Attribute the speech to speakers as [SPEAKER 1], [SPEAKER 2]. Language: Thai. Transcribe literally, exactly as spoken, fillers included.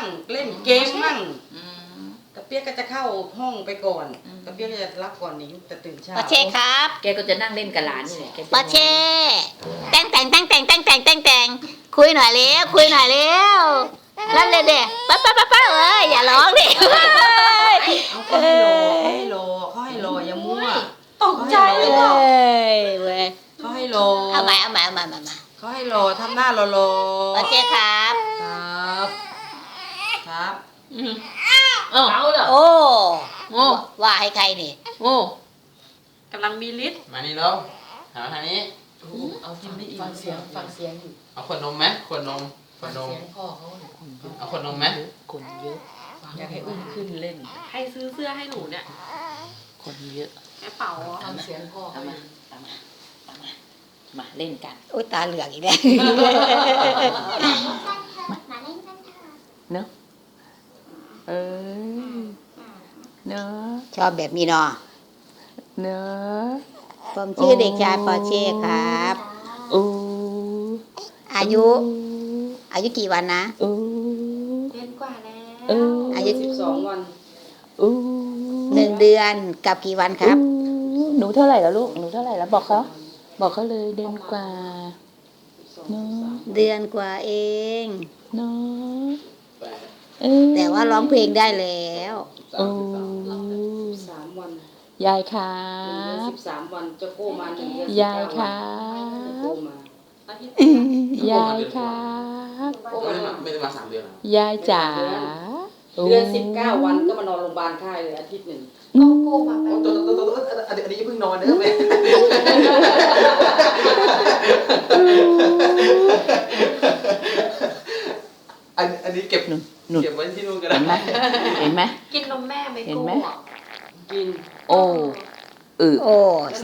[SPEAKER 1] มั่งเล่นเกมมั่งกระเปียกก็จะเข้าห้องไปก่อนกระเปียกก็จะรับก่อนนิ้งแต่ตื่นเช้า
[SPEAKER 2] ปอเช่ครับ
[SPEAKER 3] แกก็จะนั่งเล่นกับหลานนี่แหละ
[SPEAKER 2] ปอเช่แต่งแต่งแต่งแต่งแต่งแต่งแต่งแต่งคุยหน่อยเร็วคุยหน่อยเร็วนั่นเลยเด็กป๊าป๊าป๊าป๊าเอ้ยอย่าร้องดิ
[SPEAKER 1] เขาให้รอเขาให้รอเขาให้รออย่ามั่วตกใจเลย
[SPEAKER 2] เว้ย
[SPEAKER 1] เขาให้รอ
[SPEAKER 2] เอาใหม่เอาใหม่เอาใหม่มา
[SPEAKER 1] เขาให้รอทำหน้ารอรอ
[SPEAKER 2] ปอเช่ครับ
[SPEAKER 1] ครับครับ
[SPEAKER 3] เอาเหรอ
[SPEAKER 2] โอ้
[SPEAKER 3] โอ้
[SPEAKER 2] ว่าให้ใครนี่
[SPEAKER 3] โอ้
[SPEAKER 4] กำลังมีฤทธิ์
[SPEAKER 5] มานี่แล้วหาทางนี้
[SPEAKER 1] เอากินได้อีก
[SPEAKER 3] ฟังเสียงฟังเสียง
[SPEAKER 5] เอาขวดนมไหมขวดนมขวดนม
[SPEAKER 3] เสียงพ่อเขาเนี่ย
[SPEAKER 5] เอาขวดนมไหม
[SPEAKER 3] คนเยอะ
[SPEAKER 1] อยากให้อุ้มขึ้นเล่น
[SPEAKER 4] ใครซื้อเสื้อให้หนูเนี่ย
[SPEAKER 3] คนเยอะ
[SPEAKER 4] แม่เป๋าเหรอ
[SPEAKER 3] ฟังเสียงพ่อเขามาตามมาตามมามาเล่นกัน
[SPEAKER 2] โอ้ยตาเหลือกอีกแล้ว
[SPEAKER 3] เนอะเออเนอะ
[SPEAKER 2] ชอบแบบนี้เนาะ
[SPEAKER 3] เนอะ
[SPEAKER 2] ผมชื่อเด็กชายปอเช่ครับ
[SPEAKER 3] อู้
[SPEAKER 2] อายุ อายุกี่วันนะ
[SPEAKER 3] อู้
[SPEAKER 4] เดือนกว่าแล้ว
[SPEAKER 3] อู้
[SPEAKER 2] อายุ
[SPEAKER 1] สิบสองวัน
[SPEAKER 3] อู้
[SPEAKER 2] หนึ่งเดือนกับกี่วันครับ
[SPEAKER 3] อู้หนูเท่าไหร่แล้วลูกหนูเท่าไหร่แล้วบอกเขาบอกเขาเลยเดือนกว่าเนอะ
[SPEAKER 2] เดือนกว่าเอง
[SPEAKER 3] เนอะเออ
[SPEAKER 2] แต่ว่าร้องเพลงได้แล้ว
[SPEAKER 3] โอ้
[SPEAKER 1] สามวัน
[SPEAKER 3] ยายครั
[SPEAKER 1] หนึ่งเดือน
[SPEAKER 3] บ
[SPEAKER 1] สิบสามวันจะโก้มาหนึ่งเดือน
[SPEAKER 3] ยายครั
[SPEAKER 1] โก้
[SPEAKER 3] บ
[SPEAKER 1] มา
[SPEAKER 4] อาทิตย์
[SPEAKER 3] ยายครับ
[SPEAKER 5] โอ้ไม่ได้มาไม่ได้มาสามเดือนหรอย
[SPEAKER 3] ายจ๋า
[SPEAKER 1] เดือนสิบเก้าวันก็มานอนโรงพยาบาลค่ายเลยอาทิตย์หนึ่ง
[SPEAKER 4] ก็โก้มาแป๊บ
[SPEAKER 5] ตัวตัวตัวตัวอันนี้อันนี้เพิ่งนอนนะแม่อันอันนี้เก็บ
[SPEAKER 3] หนุนหนุน
[SPEAKER 5] เก็บไว้ที่นู่นก็
[SPEAKER 3] เห็
[SPEAKER 5] ได้
[SPEAKER 3] นไหมเห็นไหม
[SPEAKER 4] กินนมแม่ไหม
[SPEAKER 3] เห็น
[SPEAKER 4] โก้
[SPEAKER 3] ไหม
[SPEAKER 4] อะ
[SPEAKER 1] กิน
[SPEAKER 3] โอ้เออ
[SPEAKER 2] โอ้